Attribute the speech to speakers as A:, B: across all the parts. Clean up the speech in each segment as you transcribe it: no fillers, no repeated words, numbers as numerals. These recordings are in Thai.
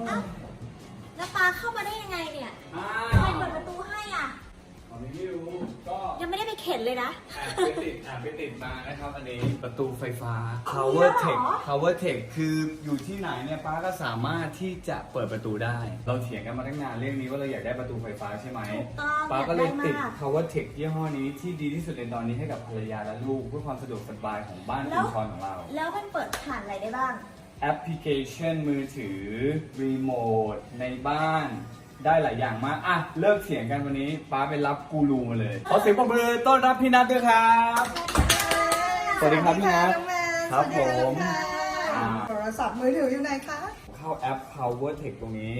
A: อ้าวแล้วปาเข้ามาได้ยังไงเนี่ยใครเปิดประตูให้อ่ะ
B: ไม่รู้ก็
A: ยังไม่ได้ไปเข็นเลยนะ
B: แอบไปติดมานะครับอันนี้ประตูไฟฟ้า Power Tech Power Tech คืออยู่ที่ไหนเนี่ยป้าก็สามารถที่จะเปิดประตูได้เราเถียงกันมาตั้งนานเรื่องนี้ว่าเราอยากได้ประตูไฟฟ้าใช่ไหมป้าก็เลยติด Power Tech ยี่ห้อนี้ที่ดีที่สุดในตอนนี้ให้กับภรรยาและลูกเพื่อความสะดวกสบายของบ้านคุณชอนของเรา
A: แล้วมันเปิดผ่านอะไรได้บ้าง
B: แอปพลิเคชันมือถือรีโมทในบ้านได้หลายอย่างมากอ่ะเลิกเถียงกันวันนี้ป้าไปรับกูรูมาเลยขอเสียงปรบมือต้อนรับพี่นัทด้วยครับสวัสดีครับพี่นัทครับผม
C: โทรศัพท์มือถืออยู่ไหนคะ
B: เข้าแอป Power Tech ตรงนี้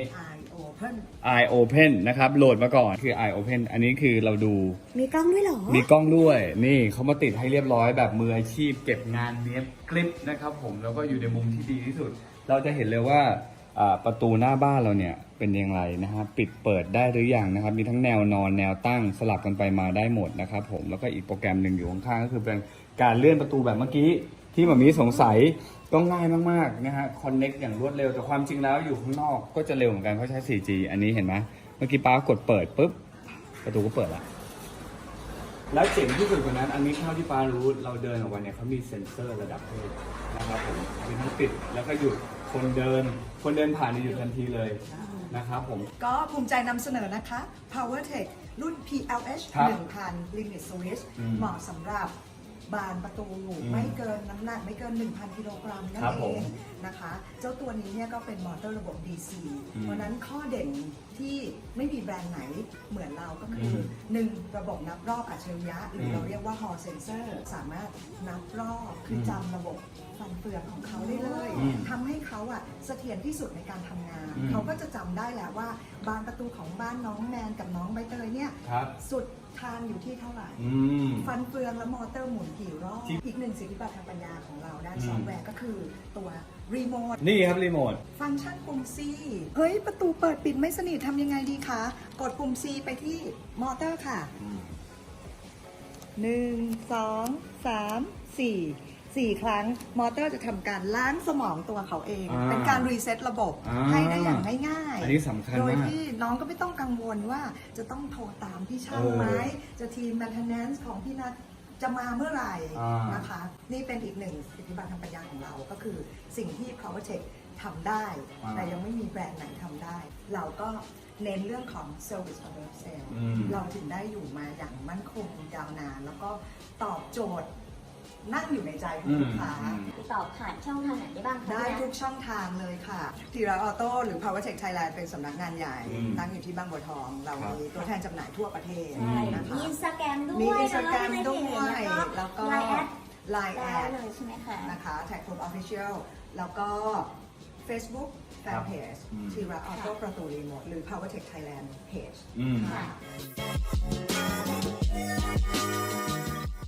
C: i
B: Open นะครับโหลดมาก่อนคือ Open อันนี้คือเราดู
A: มีกล้องด้วยเหรอ
B: มีกล้องด้วยนี่เขามาติดให้เรียบร้อยแบบมืออาชีพเก็บงานเนี้ยคลิปนะครับผมแล้วก็อยู่ในมุมที่ดีที่สุดเราจะเห็นเลยว่าประตูหน้าบ้านเราเนี่ยเป็นอย่างไรนะครับปิดเปิดได้หรือยังนะครับมีทั้งแนวนอนแนวตั้งสลับกันไปมาได้หมดนะครับผมแล้วก็อีกโปรแกรมหนึ่งอยู่ข้างๆก็คือเป็นการเลื่อนประตูแบบเมื่อกี้ที่แบบนี้สงสัยก็ง่ายมากๆนะฮะคอนเน็กอย่างรวดเร็วแต่ความจริงแล้วอยู่ข้างนอกก็จะเร็วเหมือนกันเพราะใช้ 4G อันนี้เห็นไหมเมื่อกี้ป้ากดเปิดปุ๊บประตูก็เปิดละแล้วเจ๋งที่สุดกว่านั้นอันนี้เท่าที่ป้ารู้เราเดินออกมาเนี่ยเขามีเซ็นเซอร์ระดับเทพนะครับผมมีทั้งปิดแล้วก็หยุดคนเดินผ่านในหยุดทันทีเลยนะครับผม
C: ก็ภูมิใจนำเสนอนะคะ Power Tech รุ่น PLH 1000 Limit Switch เหมาะสำหรับบานประตูไม่เกินน้ำหนักไม่เกิน 1,000 กิโลกรัมนั่นเองนะคะเจ้าตัวนี้เนี่ยก็เป็นมอเตอร์ระบบ DC เพราะนั้นข้อเด่นที่ไม่มีแบรนด์ไหนเหมือนเราก็คือ 1. ระบบนับรอบอัจฉริยะหรือเราเรียกว่า Hall Sensor สามารถนับรอบคือจำระบบฟันเฟืองของเขาได้เลยทำให้เขาเสถียรที่สุดในการทำงานเขาก็จะจำได้แล้วว่าบานประตูของบ้านน้องแมนกับน้องใบเตยเนี่ยสุดทางอยู่ที่เท่าไหร่ฟันเฟืองและมอเตอร์หมุนกี่รอบอีกหนึ่งสิทธิบัตรทางปัญญาของเราด้านซอฟต์แวร์ก็คือตัวรีโมท
B: นี่ครับรีโมท
C: ฟังก์ชันปุ่ม C เฮ้ยประตูเปิดปิดไม่สนิททำยังไงดีคะกดปุ่ม C ไปที่มอเตอร์ค่ะ1 2 3 4 ครั้งมอเตอร์จะทำการล้างสมองตัวเขาเองเป็นการรีเซ็ตระบบให้ได้อย่างง่าย
B: ๆอันนี้สำคัญมากโด
C: ยที่น้องก็ไม่ต้องกังวลว่าจะต้องโทรตามพี่ช่างไหมจะทีม maintenance ของพี่นัทจะมาเมื่อไหร่นะคะนี่เป็นอีกหนึ่งสิทธิบัตรทางปัญญาของเราก็คือสิ่งที่ Power Tech ทำได้แต่ยังไม่มีแบรนด์ไหนทำได้เราก็เน้นเรื่องของ Service Order Sale เราถึงได้อยู่มาอย่างมั่นคงยาวนานแล้วก็ตอบโจทย์นั่งอยู่ในใจของลูกค้า
A: ติดต่อผ่านช่องทางไหนได้บ้างคะ
C: ได้ทุกช่องทางเลยค่ะทีระออโต้หรือ Power Tech Thailand เป็นสำนักงานใหญ่ตั้งอยู่ที่บางบัวทองเรามีตัวแทนจำหน่ายทั่วประเทศ
A: นะคะมีอินสตาแกรมด้วย
C: มีอินสตาแกรมด้วยแล้วก็
A: Line แอดเลยใช่ไหมคะ
C: นะคะ Tag Club Official แล้วก็ Facebook Fanpage ทีระออโต้ประตูรีโมทหรือ Power Tech Thailand Page ค่ะ